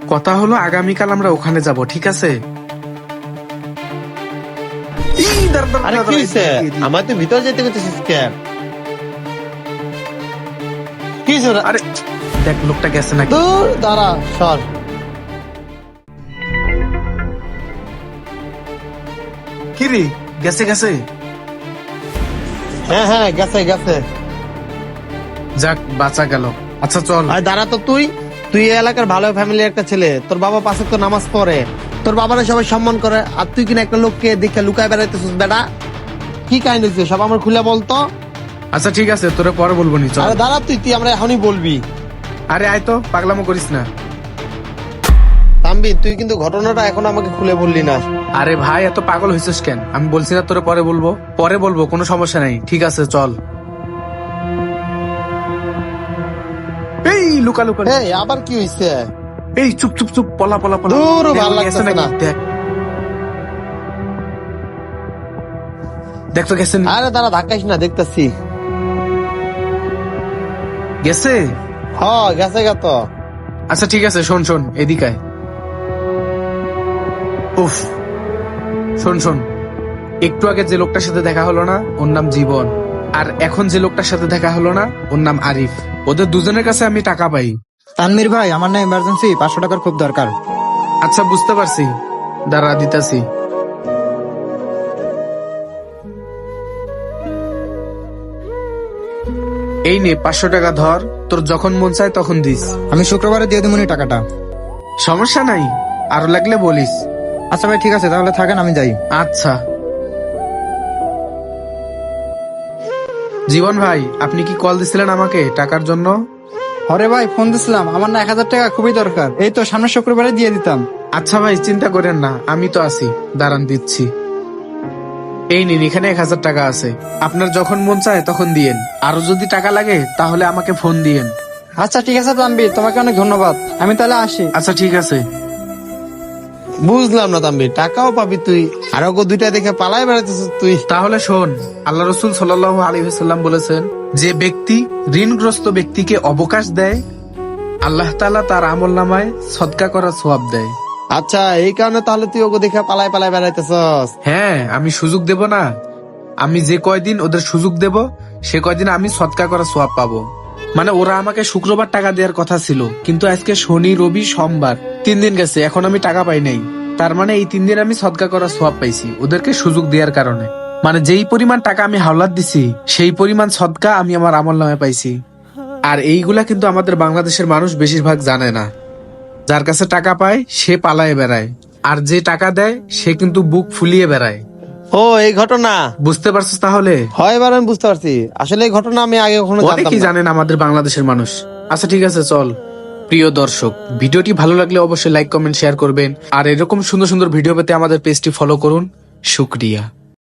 কথা হলো আগামীকাল আমরা ওখানে যাব, ঠিক আছে? আরে কি হয়েছে? আমার তো ভিতর যেতে করতেছিস কেন? কি হয়েছে? আরে দেখ লোকটা গেছে নাকি। দূর দাঁড়া, সর। কি রে, গেছে গেছে? হ্যাঁ হ্যাঁ, গেছে গেছে। যাক বাঁচা গেল। আচ্ছা চল। আর দাঁড়া তো, তুই তুই এই এলাকার ভালো ফ্যামিলির একটা ছেলে, তোর বাবা পাশে তো নামাজ পড়ে, তোর বাবারা সবাই সম্মান করে, আর তুই কিনা একটা লোককে দেখে লুকায় বেড়াইতেছিস বেটা। কি কাহিনী হচ্ছে সব আমার খুলে বলতো। আচ্ছা ঠিক আছে, তোরে পরে বলবো নি, চল। আরে দাঁড়া, তুই তুই আমরা এখনই বলবি। আরে আয় তো, পাগলামো করিস না। তাম্বি, তুই কিন্তু ঘটনাটা এখন আমাকে খুলে বললি না। আরে ভাই এত পাগল হয়েছিস কেন? আমি বলছি না তোরে পরে বলবো, পরে বলবো, কোনো সমস্যা নাই, ঠিক আছে চল। এই লুকা লুকা। এই আবার কি হয়েছে? এই চুপ চুপ চুপ, পলা পলা পলা। দূর, দেখ, ভালো ওই গেছে লাগতেছে নাকি? না। দেখ দেখ তো গেছে আরে দাঁড়া, ধাক্কাইস না, দেখতেছি। গেছে। হ, গেছে গেত। আচ্ছা ঠিক আছে, শোন শোন এদিকে আয়। উফ, শোন শোন, একটু আগে যে লোকটার সাথে দেখা হলো না, ওর নাম জীবন। আর এখন যে লোকটার সাথে দেখা হলো না, ওর নাম আরিফ। ওদের দুজনের কাছে আমি টাকা পাই। তানভীর ভাই, আমার না ইমার্জেন্সি 500 টাকার খুব দরকার। আচ্ছা বুঝতে পারছি, দাঁড়া দিতাছি। এই নে 500 টাকা ধর, তোর যখন মন চায় তখন দিস। আমি শুক্রবারে দিয়ে দেবো টাকাটা। সমস্যা নাই, আরো লাগলে বলিস। আচ্ছা ভাই ঠিক আছে, তাহলে থাকেন, আমি যাই। আচ্ছা। জীবন ভাই, আপনি কি কল দিছিলেন আমাকে টাকার জন্য? হরে ভাই, ফোন দিছিলাম, আমার না 1000 টাকা খুবই দরকার, এই তো সামনের শুক্রবারে দিয়ে দিতাম। আচ্ছা ভাই চিন্তা করেন না, আমি তো আছি, দাঁড়ান দিচ্ছি। এই নিন, এখানে 1000 টাকা আছে, আপনার যখন মন চায় তখন দিয়েন। আরো যদি টাকা লাগে তাহলে আমাকে ফোন দিয়েন। আচ্ছা ঠিক আছে তানভীর, তোমাকে অনেক ধন্যবাদ, আমি তাহলে আসি। আচ্ছা ঠিক আছে। বুঝলাম না তাম্বি, টাকাও পাবি তুই, আর ওকে দুইটা দেখে পালাই বেড়াইতেছিস তুই। তাহলে শোন, আল্লাহ রসুল সাল্লাল্লাহু আলাইহি ওয়াসাল্লাম বলেছেন, যে ব্যক্তি ঋণগ্রস্ত ব্যক্তিকে অবকাশ দেয়, আল্লাহ তাআলা তার আমলনামায় সদকা করা সওয়াব দেয়। আচ্ছা, এই কারণে তাহলে তুই ওকে দেখে পালাই পালাই বেড়াইতেছস। হ্যাঁ, আমি সুযোগ দেব না? আমি যে কয়দিন ওদের সুযোগ দেব, সে কয়দিন আমি সদকা করা সওয়াব পাবো। মানে ওরা আমাকে শুক্রবার টাকা দেওয়ার কথা ছিল, কিন্তু আজকে শনি রবি সোমবার 3 দিন গেছে, এখন আমি টাকা পাই নাই। তার মানে এই 3 দিন আমি সদকা করা সওয়াব পাইছি ওদেরকে সুযোগ দেওয়ার কারণে। মানে যেই পরিমাণ টাকা আমি হাওলাত দিছি, সেই পরিমাণ সদকা আমি আমার আমল নামে পাইছি। আর এইগুলা কিন্তু আমাদের বাংলাদেশের মানুষ বেশিরভাগ জানে না। যার কাছে টাকা পায় সে পালায় বেড়ায়, আর যে টাকা দেয় সে কিন্তু বুক ফুলিয়ে বেড়ায়। ও, এই ঘটনা বুঝতে পারছিস তাহলে? হয়, এবার আমি বুঝতে পারছি। আসলে এই ঘটনা আমি আগে কখনো জানতাম অনেকেই না। জানেন আমাদের বাংলাদেশের মানুষ। আচ্ছা ঠিক আছে চল। প্রিয় দর্শক, ভিডিওটি ভালো লাগলে অবশ্যই লাইক কমেন্ট শেয়ার করবেন, আর এরকম সুন্দর সুন্দর ভিডিও পেতে আমাদের পেজটি ফলো করুন। শুকরিয়া।